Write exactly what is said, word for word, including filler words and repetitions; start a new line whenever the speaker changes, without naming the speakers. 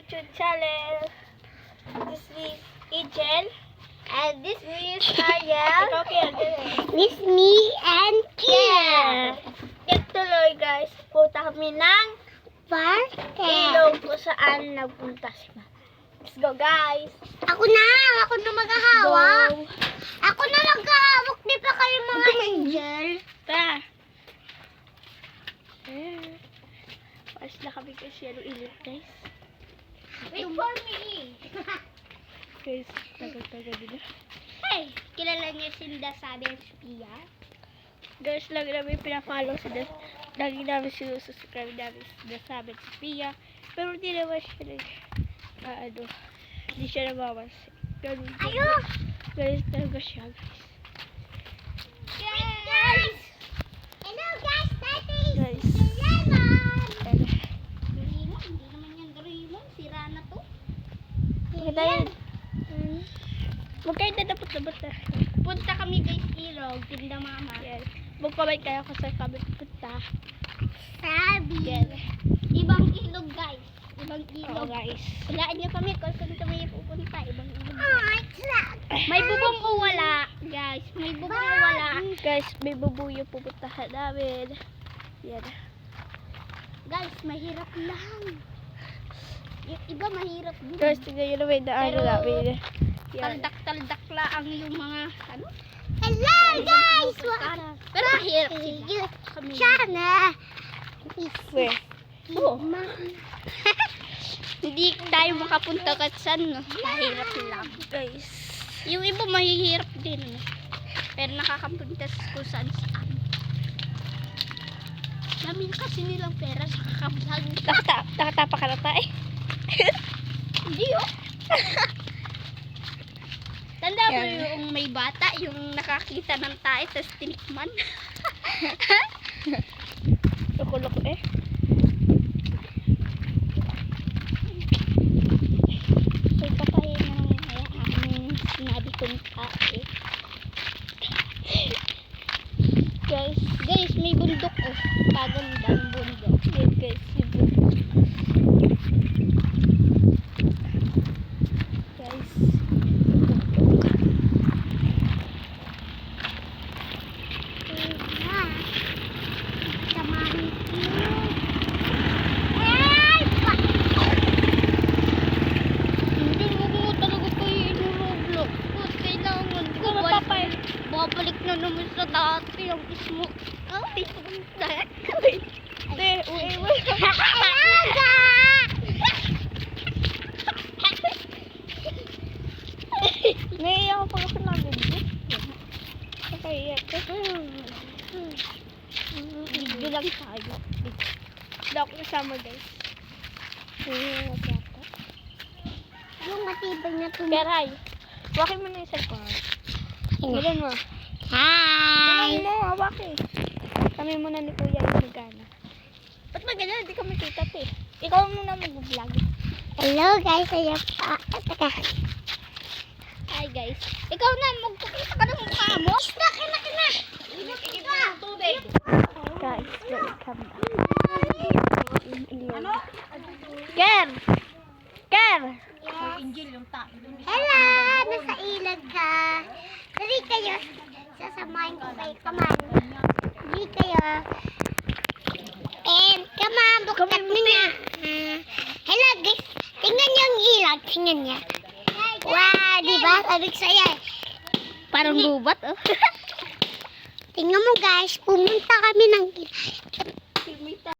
YouTube channel. This is Angel. And this is Ariel. Ikaw, Kiel.
This me and Kiel.
Ituloy guys, punta kami ng
Parke.
ilog kung saan nagpunta si Mama. Let's go guys.
Ako na, ako na maghahawak.
Go.
Ako na maghahawak, di pa kayo mga angel.
Ta. Eh. Pas na kami kasi yung ilog guys.
Wait for me.
Guys, tagal-tagal nila.
Hey, kilala niyo si Dasabi and Sophia?
Guys, lagi namin pinafollow si Das. Lagi namin sinususubscribe namin si Dasabi at Sophia. Pero hindi naman siya nag... Ah, ano. Hindi siya namamas. Ganun.
Ayo!
Guys, talaga siya guys.
Guys! Hello guys, that is
Guys.
Lemon!
Talaga.
Doraemon, hindi naman yung Doraemon. Sira na to.
Maganda yun. Hmm. Magkaiba na dapat na.
Punta kami guys ilog, tinda mama.
Yan. Magpabay kayo kung saan kami punta.
Sabi.
Yan.
Ibang ilog guys. Ibang
Oo
ilog.
guys.
Walaan niyo kami kung saan kami pupunta. Ibang ilog. May bubong o wala, guys. May bubong o wala.
Guys, may bubuyo pupuntahan namin. Yan.
Guys, mahirap lang. Yung iba mahirap din.
Guys, tingnan nyo naman na ano
Pero,
namin. Yan.
Taldak-taldak lang yung mga ano. Hello guys! Pero mahirap sila. Kami. Sana.
Weh.
Oo. Hindi tayo makapunta kahit saan, no? Mahirap lang.
Guys.
Yung iba mahihirap din, no? Pero nakakapunta kung saan saan. Dami kasi nilang pera sa kakablog.
Nakata nakatapa ka na tayo.
Hindi, oh. Tanda mo
Yan.
yung may bata, yung nakakita ng tayo, tapos tinikman.
Loko-loko eh.
So, papahin na lang ang sinabi kong tae.
Guys.
Guys, may bundok, oh. Pagandang bundok.
Yan guys. Yung bundok. Guys.
Babalik na naman sa dati ang smoke. Ay, smoke.
Te, uwi mo.
Alaga!
Naiiyak ako pag ako nag-video. Nakaiyak ka.
Video lang tayo.
Hindi ako kasama guys. Naiiyak ako yata.
Yung matibay na
Keray, hawakin mo na yung cellphone. Ganun mo.
Hi!
Ganun mo, hawakin. Kami muna ni Kuya yung nagana. Ba't ba ganyan? Hindi kami kita eh. Ikaw muna mag-vlog.
Hello guys, ayan pa. Teka. Hi guys. Ikaw na, magpakita ka ng mukha mo. Isna, kina, kina. Inakit ka. Tubig.
Guys, welcome back. Ano? Ker! Ker!
Hello, nasa ilag ka. Dali kayo. Sasamahin ko kayo. Come on. Dali kayo. And, come on, buktat mo na. Uh, hello guys. Tingnan niyo ang ilag. Tingnan niya. Wow, diba? Sabi ko sa'yo eh.
Parang gubat oh.
Tingnan mo guys, pumunta kami ng ilag.